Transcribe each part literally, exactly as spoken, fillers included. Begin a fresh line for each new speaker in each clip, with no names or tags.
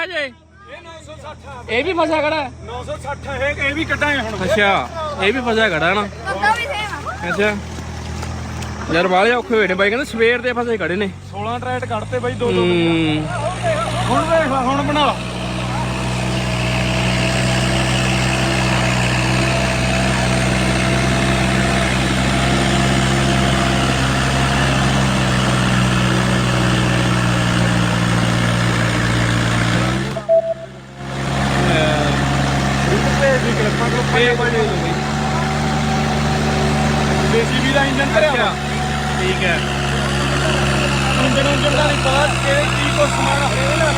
ਆ ਜੇ
ਇਹ ਨੌ ਸੌ ਸੱਠ
ਇਹ ਵੀ ਫਸਿਆ ਖੜਾ
ਨੌ ਸੌ ਸੱਠ ਹੈ ਇਹ ਵੀ ਕੱਢਾਂਗੇ ਹੁਣ
ਅੱਛਾ ਇਹ ਵੀ ਫਸਿਆ ਖੜਾ ਨਾ ਅੱਛਾ ਯਾਰ ਬਾਲੇ ਔਖੇ ਹੋਏ ਨੇ ਬਾਈ ਕਹਿੰਦੇ ਸਵੇਰ ਦੇ ਫਸੇ ਖੜੇ ਨੇ
ਸੋਲਾਂ ਟਰੈਟ ਕੱਢਤੇ ਬਾਈ ਦੋ ਦੋ ਹੁਣ ਦੇਖ ਲਾ ਹੁਣ ਬਣਾ ਲਾ ਦੇਸੀ ਵੀ ਦਾ ਇੰਜਨ ਕਰਿਆ
ਠੀਕ ਹੈ
ਇੰਜਨ ਇੰਜਨ ਦਾ ਨਹੀਂ ਪਤਾ ਕਿ ਕੀ ਕੋ ਸਮਾਨ ਹੈ ਨਾ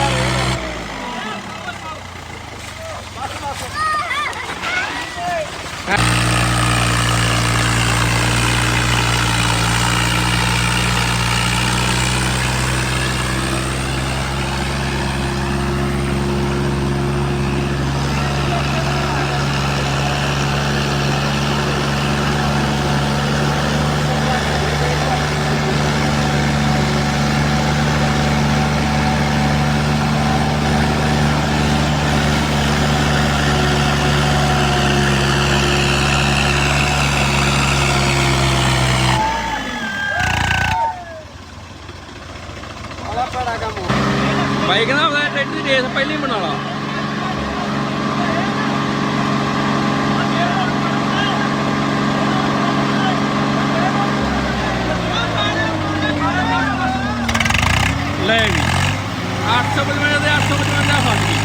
ਬਾਈ ਕਹਿੰਦਾ ਟਰੈਕਟਰ ਦੀ ਰੇਸ ਪਹਿਲੀ ਬਣਾ ਲਾ ਲੈ ਵੀ ਅੱਠ ਸੌ ਪਚਵੰਜਾ ਦੇ ਅੱਠ ਸੌ ਪਚਵੰਜਾ ਫਸ ਗਈ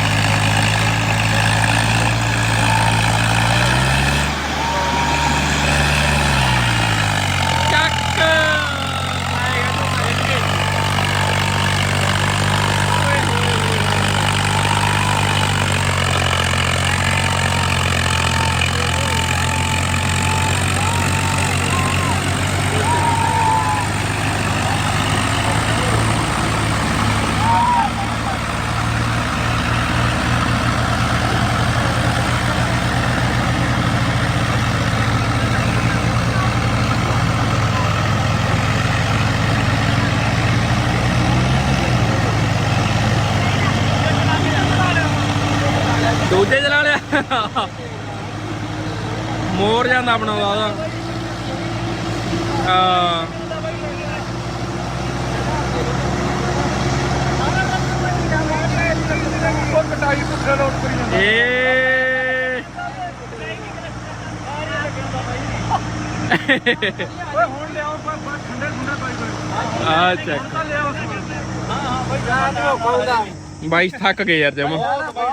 ਦੂਜੇ ਚਲਾ ਲਿਆ ਮੋਰ ਜਾਂਦਾ ਬਣਾਉਂਦਾ ਉਹਦਾ ਹਾਂ
ਕਟਾਈ ਪੁੱਠੇ ਲੋਡ ਕਰੀ ਜਾਂਦਾ
ਏ
ਓਏ ਹੁਣ ਲਿਆਓ ਠੰਡੇ ਠੰਡੇ ਪਾਈ ਕੋਈ
ਆ ਚੱਕ
ਤਾਂ ਲਿਆਓ ਹਾਂ ਹਾਂ ਬਾਈ
ਜਾ ਖਾਉਂਦਾ
ਬਾਈ ਥੱਕ ਗਏ ਯਾਰ ਜਮਾ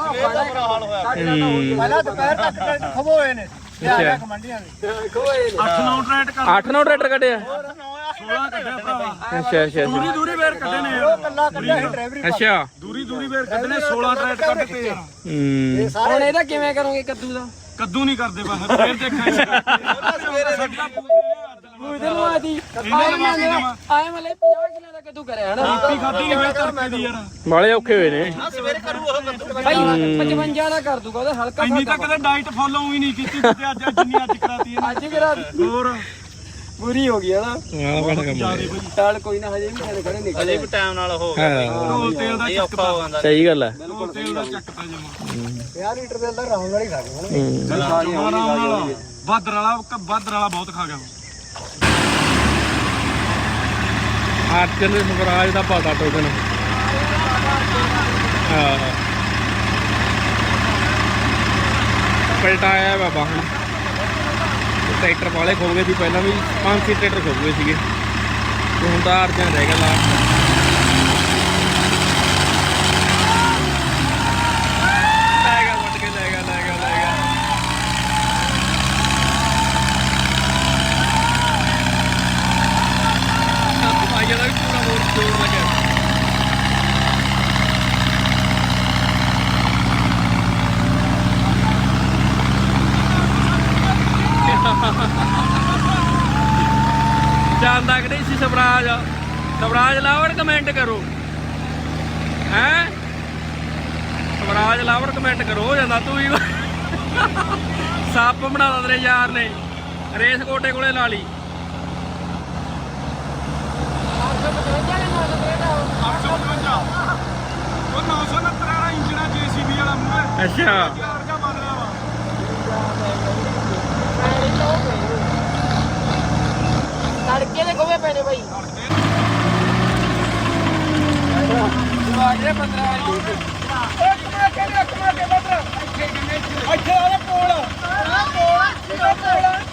ਪਹਿਲਾਂ ਦੁਪਹਿਰ ਤੱਕ ਖਬੋਏ ਨੇ
ਅੱਛਾ
ਮੰਡੀਆਂ ਦੇ
ਅੱਠ ਨੌ ਟਰੈਟ ਕਰ
ਅੱਠ ਨੌ ਟਰੈਕਟਰ ਕੱਢਿਆ
ਸੋਲਾਂ ਕੱਢਿਆ ਭਰਾਵਾ
ਅੱਛਾ ਅੱਛਾ
ਦੂਰੀ ਦੂਰੀ ਵੇਰ ਕੱਢੇ ਨੇ
ਉਹ ਕੱਲਾ ਕੱਢਿਆ ਸੀ ਡਰਾਈਵਰੀ
ਅੱਛਾ
ਦੂਰੀ ਦੂਰੀ ਵੇਰ ਕੱਢੇ ਨੇ ਸੋਲਾਂ ਟਰੈਟ ਕੱਢਤੇ ਯਾਰ
ਹੂੰ
ਹੁਣ ਇਹਦਾ ਕਿਵੇਂ ਕਰੋਗੇ ਕੱਦੂ ਦਾ
ਕੱਦੂ ਨਹੀਂ ਕਰਦੇ ਬਸ ਫੇਰ ਦੇਖਾਂਗੇ
ਉਹਦੇ ਨੂੰ ਆਦੀ
ਇਹਨਾਂ ਨੂੰ ਮਾਫੀ ਦੇਵਾਂ
ਆਏ ਮਲੇ ਪੰਜਾਹ ਕਿਲੋ ਦਾ ਕੱਦੂ ਕਰਿਆ ਹਨਾ
ਰੋਟੀ ਖਾਧੀ ਨਹੀਂ ਹੋਈ ਤੜਕੇ ਦੀ ਯਾਰ
ਬਾਲੇ ਔਖੇ ਹੋਏ ਨੇ
ਭਾਈ ਪਚਵੰਜਾ ਦਾ ਕਰ ਦੂਗਾ ਉਹਦਾ ਹਲਕਾ
ਇੰਨੀ ਤਾਂ ਕਦੇ ਡਾਈਟ ਫੋਲੋ ਹੀ ਨਹੀਂ ਕੀਤੀ ਜਿੱਤੇ ਅੱਜ ਜਿੰਨੀ ਅੱਜ ਕਰਾਤੀ ਇਹਨੇ
ਅੱਜ ਕਰਾ
ਹੋਰ
ਪੂਰੀ ਹੋ ਗਈ ਹਨਾ
ਆ ਬੜਾ ਕੰਮ
ਜਿਆਦੇ ਭਾਈ
ਚੱਲ ਕੋਈ ਨਾ ਹਜੇ ਵੀ ਸਾਡੇ ਖੜੇ ਨਿਕਲੇ
ਅਜੇ ਵੀ ਟਾਈਮ ਨਾਲ ਹੋ
ਹਾਂ
ਢੋਲ ਤੇਲ ਦਾ
ਇਹ ਔਖਾ ਹੋ ਜਾਂਦਾ
ਸਹੀ ਗੱਲ ਹੈ
ਢੋਲ ਤੇਲ ਦਾ ਚੱਕਤਾ ਜਮਾ
ਪੰਜਾਹ ਲੀਟਰ ਦੇ ਅੰਦਰ ਰਾਉਂਡ ਵਾਲੀ ਖਾ ਗਏ ਹੁਣ
ਜਮਾ ਆਰਾਮ ਨਾਲ ਬਾਦਰ ਵਾਲਾ ਬਾਦਰ ਵਾਲਾ ਬਹੁਤ ਖਾ ਗਿਆ
ਅਰਜਨ ਦੇ ਸਵਰਾਜ ਦਾ ਪਤਾ ਟੋਕਨ ਹਾਂ ਪਲਟਾਇਆ ਬਾਬਾ ਹੁਣ ਟਰੈਕਟਰ ਵਾਲੇ ਖੋ ਗਏ ਸੀ ਪਹਿਲਾਂ ਵੀ ਪੰਜ ਛੇ ਟਰੈਕਟਰ ਖੋ ਗਏ ਸੀਗੇ ਤੇ ਹੁਣ ਤਾਂ ਅਰਜਨ ਰਹਿ ਗਿਆ ਲਾਸਟ ਲੈ ਗਿਆ ਵੱਟ ਕੇ ਲੈ ਗਿਆ ਲੈ ਗਿਆ ਲੈ ਗਿਆ ਭਾਈਆ ਦਾ ਵੀ ਪੂਰਾ ਹੋਰ ਜ਼ੋਰ ਲੱਗਿਆ ਜਾਂਦਾ ਕਿ ਨਹੀਂ ਸੀ ਸਵਰਾਜ ਸਵਰਾਜ ਲਾਵਰ ਕਮੈਂਟ ਕਰੋ ਹੈ ਸਵਰਾਜ ਲਾਵਰ ਕਮੈਂਟ ਕਰੋ ਹੋ ਜਾਂਦਾ ਤੂੰ ਵੀ ਸੱਪ ਬਣਾ ਦਿੰਦੇ ਯਾਰ ਨੇ ਰੇਸ ਕੋਟੇ ਕੋਲੇ ਲਾ ਲਈ
ਅੱਠ ਸੌ ਪਚਵੰਜਾ ਉਹ ਨੌ ਸੌ ਉਨੱਤਰ ਵਾਲਾ
ਅੱਛਾ
ਤੜਕੇ ਦੇ ਖੋਵੇ ਪੈਣੇ ਬਾਈ ਆ ਗਏ ਪੰਦਰਾਂ
ਇੱਕ ਮਿੰਟ ਕਹਿੰਦੇ ਇੱਕ ਮਿੰਟ ਬੱਬਰ ਇੱਥੇ ਆਲੇ ਕੋਲ ਆ ਕੋਲ ਆ